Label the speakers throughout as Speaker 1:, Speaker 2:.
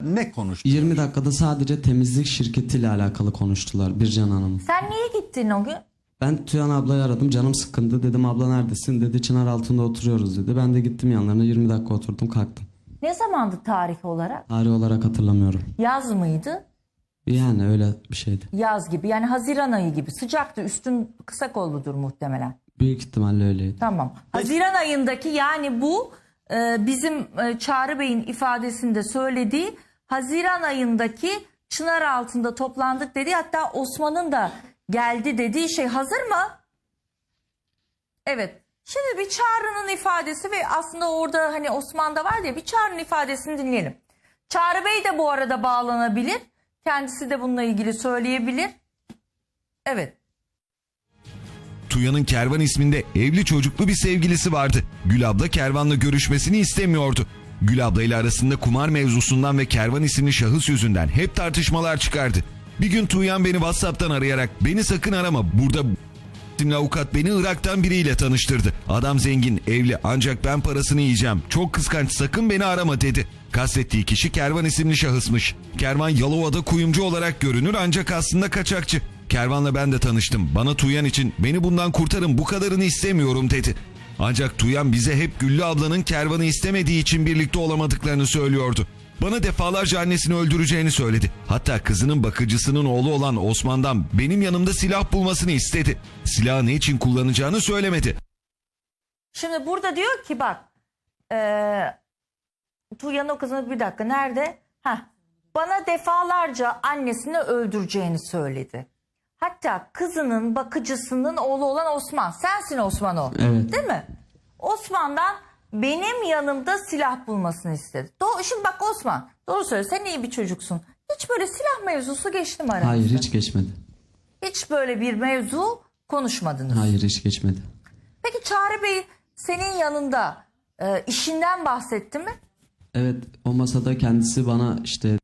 Speaker 1: ne konuştular?
Speaker 2: 20 dakikada sadece temizlik şirketiyle alakalı konuştular Bircan Hanım.
Speaker 3: Sen niye gittin o gün?
Speaker 2: Ben Tüyan ablayı aradım, canım sıkkındı. Dedim abla neredesin? Dedi Çınar altında oturuyoruz dedi. Ben de gittim yanlarına, 20 dakika oturdum, kalktım.
Speaker 3: Ne zamandı tarih olarak?
Speaker 2: Tarih olarak hatırlamıyorum.
Speaker 3: Yaz mıydı?
Speaker 2: Yani öyle bir şeydi.
Speaker 3: Yaz gibi, yani Haziran ayı gibi. Sıcaktı, üstün kısa kolludur muhtemelen.
Speaker 2: Büyük ihtimalle öyleydi.
Speaker 3: Tamam. Haziran ayındaki, yani bu bizim Çağrı Bey'in ifadesinde söylediği Haziran ayındaki Çınar altında toplandık dedi. Hatta Osman'ın da geldi dediği şey hazır mı? Evet. Şimdi bir Çağrı'nın ifadesi ve aslında orada hani Osman'da var diye bir Çağrı'nın ifadesini dinleyelim. Çağrı Bey de bu arada bağlanabilir. Kendisi de bununla ilgili söyleyebilir. Evet.
Speaker 4: Tuya'nın Kervan isminde evli çocuklu bir sevgilisi vardı. Gül abla Kervan'la görüşmesini istemiyordu. Gül abla ile arasında kumar mevzusundan ve Kervan isimli şahıs yüzünden hep tartışmalar çıkardı. Bir gün Tuğyan beni WhatsApp'tan arayarak "Beni sakın arama, burada isimli avukat beni Irak'tan biriyle tanıştırdı. Adam zengin, evli, ancak ben parasını yiyeceğim. Çok kıskanç, sakın beni arama" dedi. Kastettiği kişi Kervan isimli şahısmış. Kervan Yalova'da kuyumcu olarak görünür ancak aslında kaçakçı. Kervan'la ben de tanıştım. Bana Tuğyan için "Beni bundan kurtarın, bu kadarını istemiyorum" dedi. Ancak Tuğyan bize hep Güllü ablanın Kervan'ı istemediği için birlikte olamadıklarını söylüyordu. Bana defalarca annesini öldüreceğini söyledi. Hatta kızının bakıcısının oğlu olan Osman'dan benim yanımda silah bulmasını istedi. Silahı ne için kullanacağını söylemedi.
Speaker 3: Şimdi burada diyor ki bak Tuğyan'ın o kızını, bir dakika nerede? Bana defalarca annesini öldüreceğini söyledi. Hatta kızının bakıcısının oğlu olan Osman. Sensin Osman o.
Speaker 2: Evet.
Speaker 3: Değil mi? Osman'dan benim yanımda silah bulmasını istedi. Şimdi bak Osman, doğru söyle, sen iyi bir çocuksun. Hiç böyle silah mevzusu geçti mi aranızda?
Speaker 2: Hayır, hiç geçmedi.
Speaker 3: Hiç böyle bir mevzu konuşmadınız.
Speaker 2: Hayır, hiç geçmedi.
Speaker 3: Peki Çağrı Bey senin yanında işinden bahsetti mi?
Speaker 2: Evet, o masada kendisi bana işte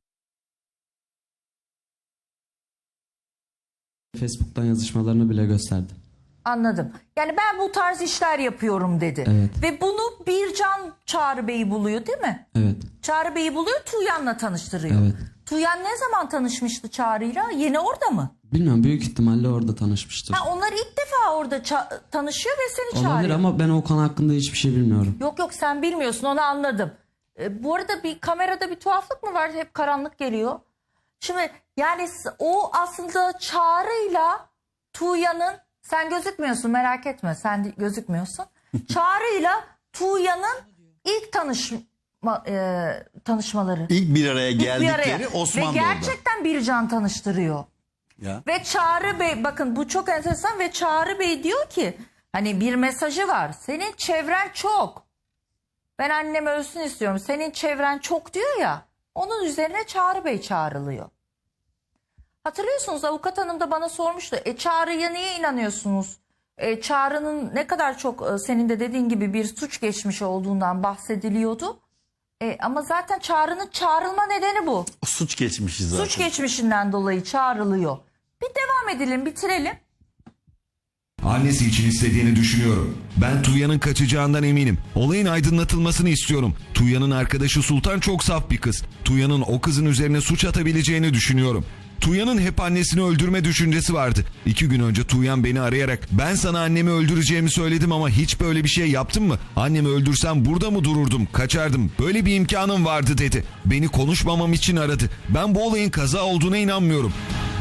Speaker 2: Facebook'tan yazışmalarını bile gösterdi.
Speaker 3: Anladım. Yani ben bu tarz işler yapıyorum dedi.
Speaker 2: Evet.
Speaker 3: Ve bunu Bircan Çağrı Bey'i buluyor değil mi?
Speaker 2: Evet.
Speaker 3: Çağrı Bey'i buluyor, Tuğyan'la tanıştırıyor.
Speaker 2: Evet.
Speaker 3: Tuğyan ne zaman tanışmıştı Çağrı'yla? Yeni orada mı?
Speaker 2: Bilmiyorum, büyük ihtimalle orada tanışmıştır.
Speaker 3: Onlar ilk defa orada tanışıyor ve seni
Speaker 2: Olabilir
Speaker 3: çağırıyor.
Speaker 2: ama ben o konu hakkında hiçbir şey bilmiyorum.
Speaker 3: Yok sen bilmiyorsun, onu anladım. Bu arada bir kamerada bir tuhaflık mı var? Hep karanlık geliyor. Şimdi yani o aslında Çağrı'yla Tuğyan'ın, sen gözükmüyorsun merak etme, sen gözükmüyorsun. Çağrı'yla Tuğyan'ın ilk tanışmaları.
Speaker 1: İlk bir araya
Speaker 3: İlk bir
Speaker 1: geldikleri
Speaker 3: araya.
Speaker 1: Osman
Speaker 3: Ve
Speaker 1: da orada.
Speaker 3: gerçekten Bircan tanıştırıyor.
Speaker 1: Ya.
Speaker 3: Ve Çağrı Bey, bakın bu çok enteresan, ve Çağrı Bey diyor ki hani bir mesajı var. Senin çevren çok. Ben annem ölsün istiyorum. Senin çevren çok diyor ya. Onun üzerine Çağrı Bey çağrılıyor. Hatırlıyorsunuz, avukat hanım da bana sormuştu. Çağrı'ya niye inanıyorsunuz? Çağrı'nın ne kadar çok senin de dediğin gibi bir suç geçmişi olduğundan bahsediliyordu. Ama zaten Çağrı'nın çağrılma nedeni bu.
Speaker 1: Suç geçmişi zaten.
Speaker 3: Suç geçmişinden dolayı çağrılıyor. Bir devam edelim, bitirelim.
Speaker 4: Annesi için istediğini düşünüyorum. Ben Tuğyan'ın kaçacağından eminim. Olayın aydınlatılmasını istiyorum. Tuğyan'ın arkadaşı Sultan çok saf bir kız. Tuğyan'ın o kızın üzerine suç atabileceğini düşünüyorum. Tuğyan'ın hep annesini öldürme düşüncesi vardı. 2 gün önce Tuğyan beni arayarak "Ben sana annemi öldüreceğimi söyledim ama hiç böyle bir şey yaptın mı? Annemi öldürsem burada mı dururdum, kaçardım. Böyle bir imkanım vardı" dedi. Beni konuşmamam için aradı. Ben bu olayın kaza olduğuna inanmıyorum.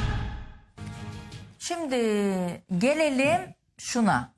Speaker 3: Şimdi gelelim şuna.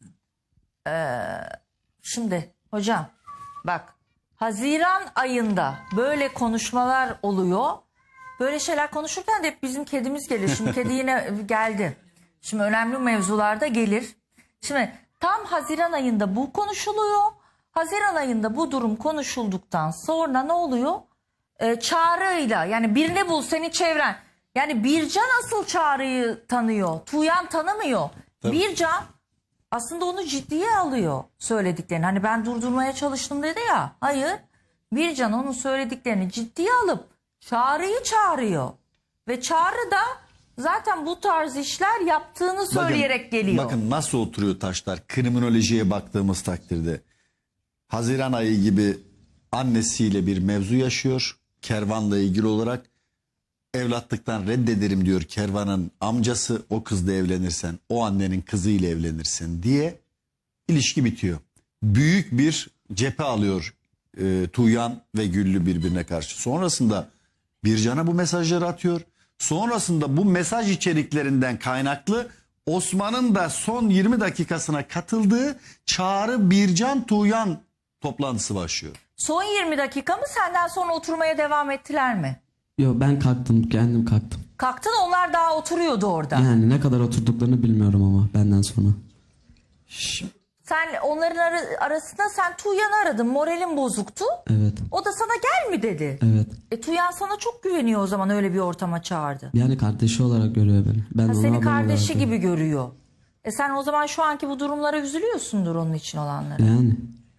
Speaker 3: Şimdi hocam bak, Haziran ayında böyle konuşmalar oluyor. Böyle şeyler konuşurken de hep bizim kedimiz gelir. Şimdi kedi yine geldi. Şimdi önemli mevzularda gelir. Şimdi tam Haziran ayında bu konuşuluyor. Haziran ayında bu durum konuşulduktan sonra ne oluyor? Çağrı'yla, yani birini bul senin çevren. Yani Bircan asıl Çağrı'yı tanıyor. Tuğyan tanımıyor.
Speaker 1: Tabii.
Speaker 3: Bircan aslında onu ciddiye alıyor söylediklerini. Hani ben durdurmaya çalıştım dedi ya. Hayır. Bircan onun söylediklerini ciddiye alıp Çağrı'yı çağırıyor. Ve Çağrı da zaten bu tarz işler yaptığını söyleyerek geliyor.
Speaker 1: Bakın nasıl oturuyor taşlar kriminolojiye baktığımız takdirde. Haziran ayı gibi annesiyle bir mevzu yaşıyor. Kervan'la ilgili olarak evlatlıktan reddederim diyor Kervan'ın amcası, o kızla evlenirsen o annenin kızıyla evlenirsin diye ilişki bitiyor. Büyük bir cephe alıyor Tuğyan ve Güllü birbirine karşı. Sonrasında Bircan'a bu mesajları atıyor. Sonrasında bu mesaj içeriklerinden kaynaklı Osman'ın da son 20 dakikasına katıldığı Çağrı Bircan Tuğyan toplantısı başlıyor.
Speaker 3: Son 20 dakika mı, senden sonra oturmaya devam ettiler mi?
Speaker 2: Yok, ben kalktım, kendim kalktım.
Speaker 3: Kalktın, onlar daha oturuyordu orada.
Speaker 2: Yani ne kadar oturduklarını bilmiyorum ama benden sonra.
Speaker 3: Sen onların arasında sen Tuğyan'ı aradın, moralin bozuktu.
Speaker 2: Evet,
Speaker 3: O da sana gel mi dedi.
Speaker 2: evet.
Speaker 3: Tuğyan sana çok güveniyor, o zaman öyle bir ortama çağırdı.
Speaker 2: Yani kardeşi olarak görüyor beni. Ben onu
Speaker 3: Seni
Speaker 2: ablam
Speaker 3: kardeşi
Speaker 2: olarak
Speaker 3: gibi görüyor. Sen o zaman şu anki bu durumlara üzülüyorsundur onun için olanlara.
Speaker 2: Yani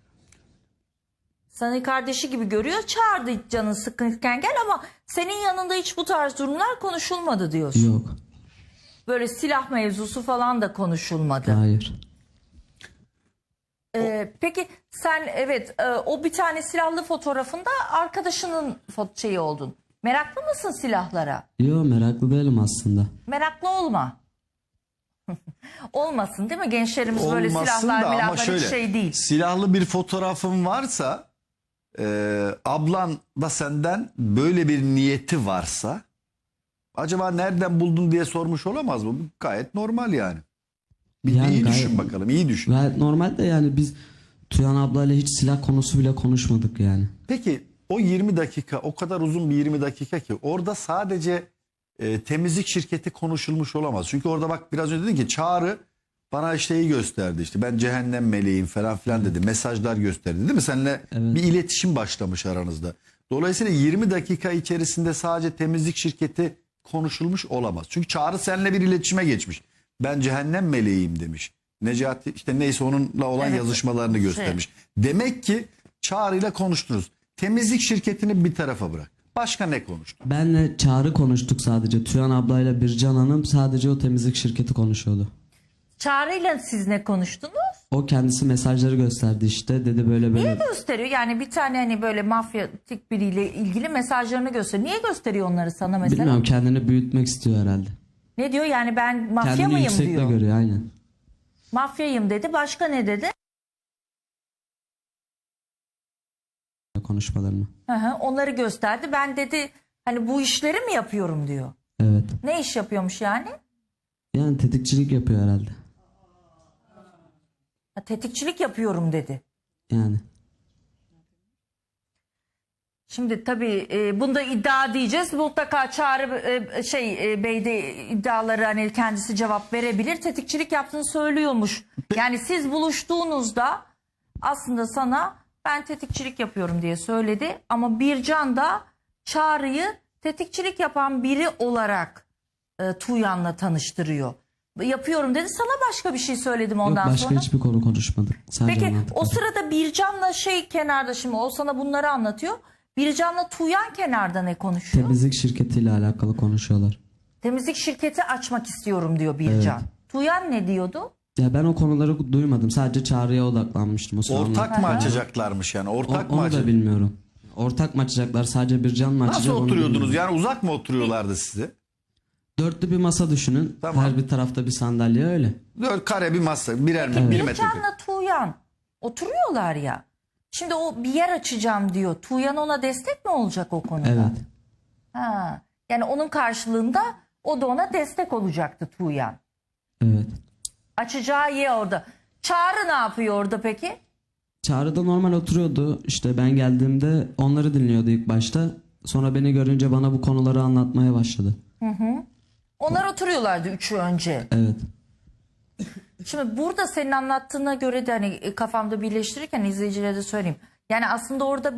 Speaker 3: Seni kardeşi gibi görüyor, çağırdı canın sıkıntıken gel, ama senin yanında hiç bu tarz durumlar konuşulmadı diyorsun.
Speaker 2: yok,
Speaker 3: Böyle silah mevzusu falan da konuşulmadı.
Speaker 2: hayır.
Speaker 3: Peki sen o bir tane silahlı fotoğrafında arkadaşının şeyi oldun. Meraklı mısın silahlara?
Speaker 2: Yok, meraklı değilim aslında.
Speaker 3: Meraklı olma. Olmasın değil mi? Gençlerimiz böyle
Speaker 1: Olmasın
Speaker 3: silahlar
Speaker 1: da ama
Speaker 3: milahlar hiç
Speaker 1: şöyle,
Speaker 3: şey değil.
Speaker 1: silahlı bir fotoğrafın varsa ablan da senden böyle bir niyeti varsa acaba nereden buldun diye sormuş olamaz mı? Bu gayet normal yani.
Speaker 2: Yani
Speaker 1: iyi
Speaker 2: gayet-
Speaker 1: düşün bakalım, iyi düşün.
Speaker 2: Gayet normal de yani biz Tuyan ablayla hiç silah konusu bile konuşmadık yani.
Speaker 1: Peki o 20 dakika, o kadar uzun bir 20 dakika ki orada sadece temizlik şirketi konuşulmuş olamaz. Çünkü orada bak biraz önce dedin ki Çağrı bana işte iyi gösterdi, işte ben cehennem meleğim falan filan dedi. Mesajlar gösterdi değil mi? Seninle bir iletişim başlamış aranızda. Dolayısıyla 20 dakika içerisinde sadece temizlik şirketi konuşulmuş olamaz. Çünkü Çağrı seninle bir iletişime geçmiş. Ben cehennem meleğim demiş. Necati işte neyse onunla olan yazışmalarını göstermiş. Demek ki Çağrı ile konuştunuz. Temizlik şirketini bir tarafa bırak. Başka ne konuştun?
Speaker 2: Benle Çağrı konuştuk sadece. Tuyan ablayla Bircan Hanım sadece o temizlik şirketi konuşuyordu.
Speaker 3: Çağrı'yla siz ne konuştunuz?
Speaker 2: O kendisi mesajları gösterdi işte. Dedi böyle böyle.
Speaker 3: Niye gösteriyor? Yani bir tane hani böyle mafyatik biriyle ilgili mesajlarını gösteriyor. Niye gösteriyor onları sana mesela?
Speaker 2: Bilmiyorum, kendini büyütmek istiyor herhalde.
Speaker 3: Ne diyor? Yani ben mafya
Speaker 2: Kendini
Speaker 3: mıyım
Speaker 2: yüksekte
Speaker 3: diyor.
Speaker 2: görüyor aynen.
Speaker 3: Mafyayım dedi. Başka ne dedi?
Speaker 2: Konuşmalarını.
Speaker 3: Onları gösterdi. Ben dedi hani bu işleri mi yapıyorum diyor.
Speaker 2: Evet.
Speaker 3: Ne iş yapıyormuş yani?
Speaker 2: Yani tetikçilik yapıyor herhalde.
Speaker 3: Tetikçilik yapıyorum dedi.
Speaker 2: Yani.
Speaker 3: Şimdi tabii bunda iddia diyeceğiz. Mutlaka Çağrı Bey de iddiaları hani kendisi cevap verebilir. Tetikçilik yaptığını söylüyormuş. Yani siz buluştuğunuzda aslında sana ben tetikçilik yapıyorum diye söyledi. Ama Bircan da Çağrı'yı tetikçilik yapan biri olarak Tuğyan'la tanıştırıyor. Yapıyorum dedi. Sana başka bir şey söyledim
Speaker 2: Yok,
Speaker 3: ondan
Speaker 2: başka
Speaker 3: sonra.
Speaker 2: hiçbir konu konuşmadık. Sadece
Speaker 3: Peki
Speaker 2: anlattık.
Speaker 3: o sırada Bircan'la kenarda, şimdi o sana bunları anlatıyor. Bircan'la Tuğyan kenarda ne konuşuyor?
Speaker 2: Temizlik şirketiyle alakalı konuşuyorlar.
Speaker 3: Temizlik şirketi açmak istiyorum diyor Bircan. Tuğyan ne diyordu?
Speaker 2: Ya ben o konuları duymadım. Sadece Çağrı'ya odaklanmıştım o sırada.
Speaker 1: Ortak mı açacaklarmış yani? Ortak mı
Speaker 2: Onu da
Speaker 1: açacak?
Speaker 2: bilmiyorum. Ortak mı açacaklar? Sadece Bircan mı açacak?
Speaker 1: Nasıl
Speaker 2: onu
Speaker 1: oturuyordunuz?
Speaker 2: bilmiyorum.
Speaker 1: Yani uzak mı oturuyorlardı sizi?
Speaker 2: Dörtlü bir masa düşünün.
Speaker 1: Tamam.
Speaker 2: Her bir tarafta bir sandalye öyle.
Speaker 1: 4 kare bir masa, birer bir metre.
Speaker 3: Bircan'la Tuğyan oturuyorlar ya. Şimdi o bir yer açacağım diyor. Tuğyan ona destek mi olacak o konuda?
Speaker 2: Evet.
Speaker 3: Yani onun karşılığında o da ona destek olacaktı Tuğyan.
Speaker 2: Evet.
Speaker 3: Açacağı yer orada. Çağrı ne yapıyor orada peki?
Speaker 2: Çağrı da normal oturuyordu. İşte ben geldiğimde onları dinliyordu ilk başta. Sonra beni görünce bana bu konuları anlatmaya başladı.
Speaker 3: Onlar oturuyorlardı üçü önce.
Speaker 2: Evet.
Speaker 3: Şimdi burada senin anlattığına göre de hani kafamda birleştirirken izleyicilere de söyleyeyim. Yani aslında orada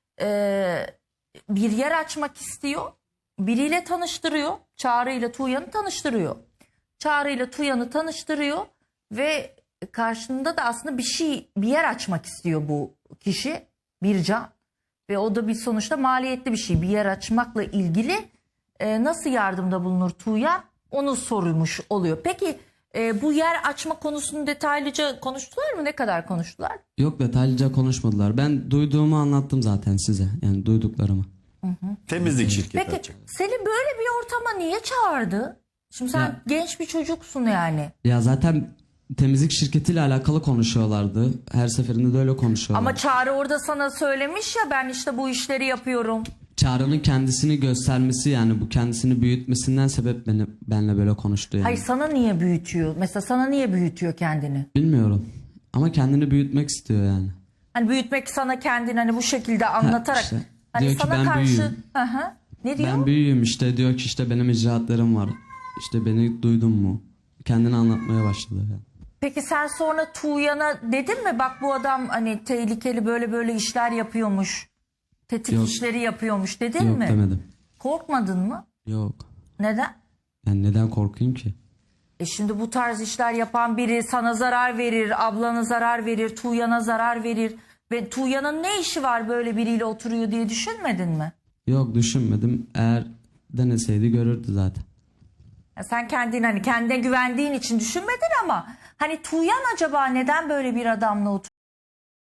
Speaker 3: bir yer açmak istiyor. Biriyle tanıştırıyor. Çağrı ile Tuğyan'ı tanıştırıyor. Çağrı ile Tuğyan'ı tanıştırıyor ve karşında da aslında bir yer açmak istiyor bu kişi, Bircan. Ve o da bir sonuçta maliyetli bir şey. Bir yer açmakla ilgili nasıl yardımda bulunur Tuğyan? Onu sormuş oluyor. Peki bu yer açma konusunu detaylıca konuştular mı? Ne kadar konuştular?
Speaker 2: Yok, detaylıca konuşmadılar. Ben duyduğumu anlattım zaten size. Yani duyduklarımı.
Speaker 1: Temizlik şirketi
Speaker 3: Peki
Speaker 1: açacak.
Speaker 3: seni böyle bir ortama niye çağırdı? Şimdi sen
Speaker 2: Ya-
Speaker 3: genç bir çocuksun yani.
Speaker 2: Ya zaten temizlik şirketiyle alakalı konuşuyorlardı. Her seferinde de öyle konuşuyorlar.
Speaker 3: Ama Çağrı orada sana söylemiş ya, ben işte bu işleri yapıyorum.
Speaker 2: Çağrı'nın kendisini göstermesi, yani bu kendisini büyütmesinden sebep benle böyle konuştu yani.
Speaker 3: Hayır, sana niye büyütüyor? Mesela sana niye büyütüyor kendini?
Speaker 2: Bilmiyorum. Ama kendini büyütmek istiyor yani.
Speaker 3: Hani büyütmek sana kendini hani bu şekilde anlatarak.
Speaker 2: işte.
Speaker 3: Hani
Speaker 2: Diyor ki
Speaker 3: sana
Speaker 2: ben
Speaker 3: karşı.
Speaker 2: büyüğüm.
Speaker 3: Hı hı. Ne diyor?
Speaker 2: Ben büyüğüm işte, diyor ki işte benim icraatlarım var. İşte beni duydun mu? Kendini anlatmaya başladı yani.
Speaker 3: Peki sen sonra Tuğyan'a dedin mi? Bak bu adam hani tehlikeli, böyle böyle işler yapıyormuş. Tetik
Speaker 2: Yok.
Speaker 3: işleri yapıyormuş dedin
Speaker 2: Yok
Speaker 3: mi?
Speaker 2: demedim.
Speaker 3: Korkmadın mı?
Speaker 2: Yok.
Speaker 3: Neden?
Speaker 2: Yani neden korkayım ki?
Speaker 3: Şimdi bu tarz işler yapan biri sana zarar verir, ablana zarar verir, Tuğyan'a zarar verir. Ve Tuğyan'ın ne işi var böyle biriyle oturuyor diye düşünmedin mi?
Speaker 2: Yok, düşünmedim. Eğer deneseydi görürdü zaten.
Speaker 3: Ya sen kendine güvendiğin için düşünmedin ama hani Tuğyan acaba neden böyle bir adamla oturuyor?